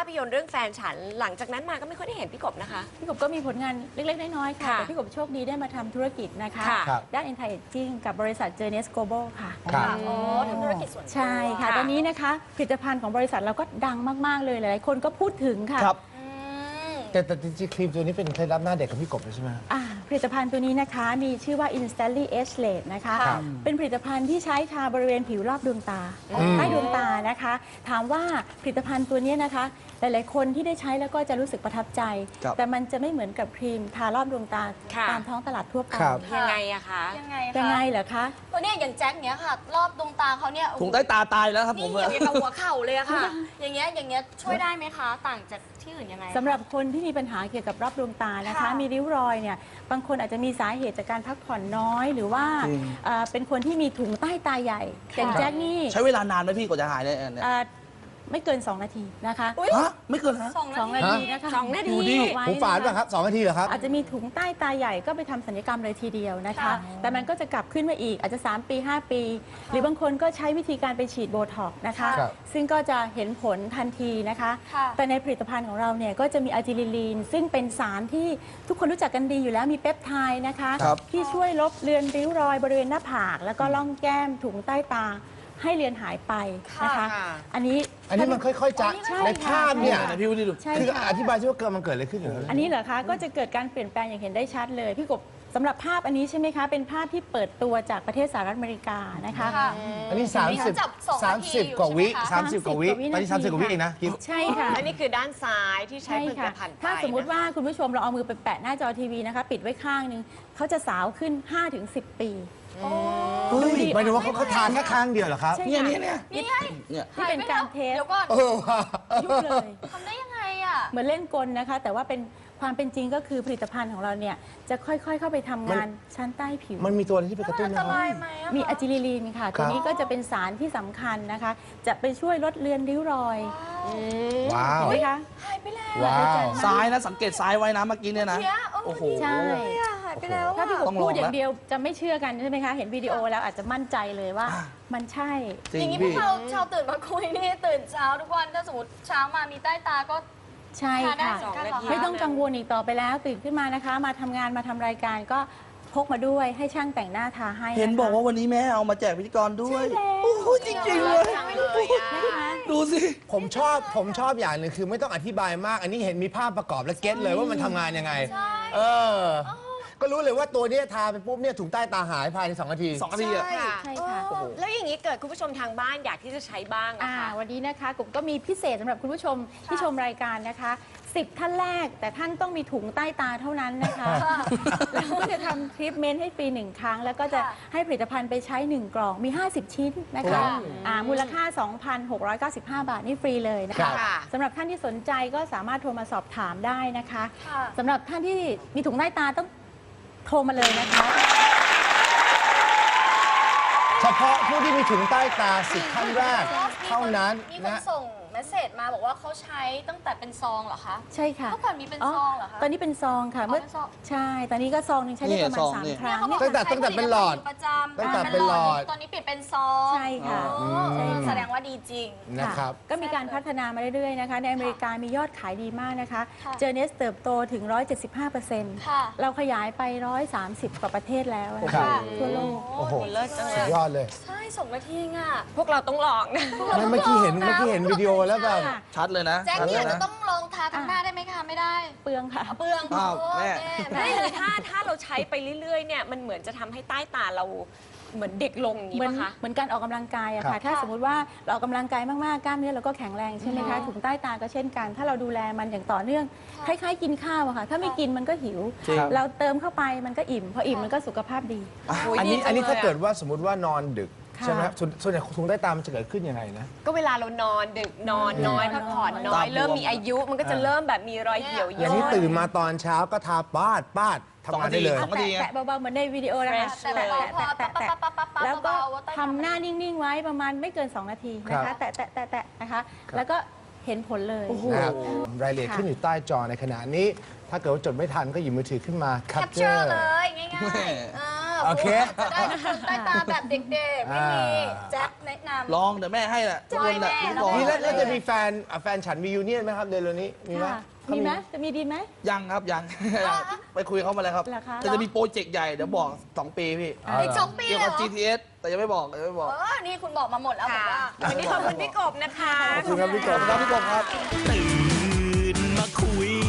พยนตร์เรื่องแฟนฉันหลังจากนั้นมาก็ไม่ค่อยได้เห็นพี่กบนะคะพี่กบก็มีผลงานเล็กๆน้อยๆค่ะแต่พี่กบโชคดีได้มาทำธุรกิจนะคะด้าน Anti Aging กับบริษัท Journeys Global ค่ะอ๋อทำธุรกิจส่วนตัวใช่ค่ะตอนนี้นะคะผลิตภัณฑ์ของบริษัทเราก็ดังมากๆเลยหลายๆคนก็พูดถึงค่ะแต่จริงๆครีมตัวนี้เป็นเคล็ดลับหน้าเด็กของพี่กบเลยใช่ไหมผลิตภัณฑ์ตัวนี้นะคะมีชื่อว่า Instantly Age Late นะคะเป็นผลิตภัณฑ์ที่ใช้ทาบริเวณผิวรอบดวงตาใต้ดวงตานะคะถามว่าผลิตภัณฑ์ตัวนี้นะคะหลายๆคนที่ได้ใช้แล้วก็จะรู้สึกประทับใจแต่มันจะไม่เหมือนกับครีมทารอบดวงตาตามท้องตลาดทั่วไปยังไงอะคะยังไงเหรอคะตัวนี้อย่างแจ็คเนี้ยค่ะรอบดวงตาเขาเนี่ยถุงใต้ตาตายแล้วครับผมนี่อย่างกับหัวเข่าเลยอะค่ะอย่างเงี้ยช่วยได้ไหมคะต่างจากที่อื่นยังไงสำหรับคนที่มีปัญหาเกี่ยวกับรอบดวงตานะคะมีริ้วรอยเนี่ยบางคนอาจจะมีสาเหตุจากการพักผ่อนน้อยหรือว่าเป็นคนที่มีถุงใต้ตาใหญ่อย่างแจ็คนี่ใช้เวลานานไหมพี่กว่าจะหายเนี่ยไม่เกิน2 นาทีนะคะฮะไม่เกินฮะ 2 นาทีนะคะ 2 นาทีหูฝาดป่ะครับ2 นาทีเหรอครับอาจจะมีถุงใต้ตาใหญ่ก็ไปทำศัลยกรรมเลยทีเดียวนะคะแต่มันก็จะกลับขึ้นมาอีกอาจจะ3 ปี 5 ปี หรือบางคนก็ใช้วิธีการไปฉีดโบท็อกซ์นะคะซึ่งก็จะเห็นผลทันทีนะคะแต่ในผลิตภัณฑ์ของเราเนี่ยก็จะมีอะจิลิลีนซึ่งเป็นสารที่ทุกคนรู้จักกันดีอยู่แล้วมีเปปไทด์นะคะที่ช่วยลบเลือนริ้วรอยบริเวณหน้าผากแล้วก็ร่องแก้มถุงใต้ตาให้เลือนหายไปนะคะอันนี้มันค่อยๆจะในภาพเนี่ยพี่วุฒิดูคืออธิบายช่ว่ามันเกิดอะไรขึ้นอันนี้เหรอคะก็จะเกิดการเปลี่ยนแปลงอย่างเห็นได้ชัดเลยพี่กบสำหรับภาพอันนี้ใช่ไหมคะเป็นภาพที่เปิดตัวจากประเทศสหรัฐอเมริกานะคะอันนี้30 กว่าวิ30 กว่าวิตอนนี้30 กว่าวิเองนะใช่ค่ะอันนี้คือด้านซ้ายที่ใช้ผลิตภัณฑ์ถ้าสมมุติว่าคุณผู้ชมเราเอามือไปแปะหน้าจอทีวีนะคะปิดไว้ข้างนึงเขาจะสาวขึ้น 5-10 ปีหมายถึงว่าเขาทานแค่ครั้งเดียวเหรอครับเนี่ยนี่เป็นการเทสยุบเลยทำได้ยังไงอ่ะเหมือนเล่นกลนะคะแต่ว่าเป็นความเป็นจริงก็คือผลิตภัณฑ์ของเราเนี่ยจะค่อยๆเข้าไปทำงานชั้นใต้ผิวมันมีตัวอะไรที่ไปกระตุ้นไหมมีอะจิลิลีนค่ะตัวนี้ก็จะเป็นสารที่สำคัญนะคะจะไปช่วยลดเลือนริ้วรอยว้าวเห็นไหมคะหายไปแล้วว้าวซ้ายนะสังเกตซ้ายไว้นะเมื่อกี้เนี่ยนะโอ้โหใช่หายไปแล้วถ้าพี่กบพูดอย่างเดียวจะไม่เชื่อกันใช่ไหมคะเห็นวิดีโอแล้วอาจจะมั่นใจเลยว่ามันใช่อย่างนี้พวกเราชาวตื่นมาคุยนี่ตื่นเช้าทุกวันถ้าสมมติเช้ามามีใต้ตาก็ใช่ค่ะไม่ต้องกังวลอีกต่อไปแล้วตื่นขึ้นมานะคะมาทำงานมาทำรายการก็พกมาด้วยให้ช่างแต่งหน้าทาให้เห็นบอกว่าวันนี้แม่เอามาแจกพิธีกรด้วยโอ้โหจริงๆเลยดูสิผมชอบอย่างหนึ่งคือไม่ต้องอธิบายมากอันนี้เห็นมีภาพประกอบและเก็ตเลยว่ามันทำงานยังไงก็รู้เลยว่าตัวนี้ทาไปปุ๊บเนี่ยถุงใต้ตาหายภายใน2 นาที 2 นาทีอ่ะใช่ค่ะแล้วอย่างนี้เกิดคุณผู้ชมทางบ้านอยากที่จะใช้บ้างนะคะวันนี้นะคะกลุ่มก็มีพิเศษสำหรับคุณผู้ชมที่ชมรายการนะคะ10 ท่านแรกแต่ท่านต้องมีถุงใต้ตาเท่านั้นนะคะแล้วก็จะทำทรีทเมนต์ให้ฟรี1 ครั้งแล้วก็จะให้ผลิตภัณฑ์ไปใช้1 กล่องมี50 ชิ้นนะคะมูลค่า 2,695 บาทนี่ฟรีเลยนะคะสำหรับท่านที่สนใจก็สามารถโทรมาสอบถามได้นะคะสำหรับท่านที่มีถุงใต้ตาต้องโทรมาเลยนะคะเฉพาะผู้ที่มีถุงใต้ตา10 ท่านแรกเท่านั้นมีคนส่งเมสเซจมาบอกว่าเขาใช้ตั้งแต่เป็นซองเหรอคะใช่ค่ะเมื่อก่อนมีเป็นซองเหรอคะตอนนี้เป็นซองค่ะเมื่อใช่ตอนนี้ก็ซองนึงใช้ได้ประมาณ3 ครั้งตั้งแต่เป็นหลอดตั้งแต่เป็นหลอดตอนนี้เปลี่ยนเป็นซองใช่ค่ะแสดงว่าดีจริงนะครับก็มีการพัฒนามาเรื่อยๆนะคะในอเมริกามียอดขายดีมากนะคะเจอเนสเติบโตถึง 175%เราขยายไป130 กว่าประเทศแล้วทั่วโลกโอ้โหสุดยอดเลยใช่2 นาทีอ่ะพวกเราต้องลองนะเมื่อกี้เห็นวิดีโอแล้วแบบชัดเลยนะแจ็คเนี่ยจะต้องลองทาทั้งหน้าได้ไหมคะไม่ได้เปลืองค่ะเปลืองแม่ไม่เลยถ้าเราใช้ไปเรื่อยๆเนี่ยมันเหมือนจะทำให้ใต้ตาเราเหมือนเด็กลงอย่างนี้ป่ะคะเหมือนการออกกำลังกายอะค่ะถ้าสมมุติว่าเราออกกำลังกายมากๆกล้ามเนื้อเราก็แข็งแรงใช่ไหมคะถุงใต้ตาก็เช่นกันถ้าเราดูแลมันอย่างต่อเนื่องคล้ายๆกินข้าวอะค่ะถ้าไม่กินมันก็หิวเราเติมเข้าไปมันก็อิ่มพออิ่มมันก็สุขภาพดีอันนี้ถ้าเกิดว่าสมมติว่านอนดึกใช่ไหมครับส่วนใหญ่ถุงใต้ตามันจะเกิดขึ้นยังไงนะก็เวลาเรานอนดึกนอนน้อยพักผ่อนน้อยเริ่มมีอายุมันก็จะเริ่มแบบมีรอยเหี่ยวย่นอย่างนี้ตื่นมาตอนเช้าก็ทาปาดทำงานได้เลยแตะเบาๆเหมือนในวิดีโอนะคะแตะแล้วก็ทำหน้านิ่งๆไว้ประมาณไม่เกิน2 นาทีนะคะแตะนะคะแล้วก็เห็นผลเลยรายละเอียดขึ้นอยู่ใต้จอในขณะนี้ถ้าเกิดว่าจดไม่ทันก็หยิบมือถือขึ้นมาแคปเจอร์เลยง่ายๆโอเคจะได้ตื่นใต้ตาแบบเด็กๆ ไม่มีแจ็คแนะนำลองเดี๋ยวแม่ให้แหละทุกคนแหละแม่พิธีกรนี่แล้วจะมีแฟนฉันมียูเนียนไหมครับเดือนนี้มีไหมค่ะมีไหมจะมีดีไหมยังครับยัง ไปคุยเขามาแล้วครับเหรอคะแต่จะมีโปรเจกต์ใหญ่เดี๋ยวบอก 2 ปีพี่อีก2 ปีเกี่ยวเลยกับเหรอ GTS แต่ยังไม่บอกนี่คุณบอกมาหมดแล้วผมค่ะว่าวันนี้ขอบคุณพี่กบนะคะขอบคุณครับพี่กบขอบคุณครับพี่กบครับตื่นมาคุย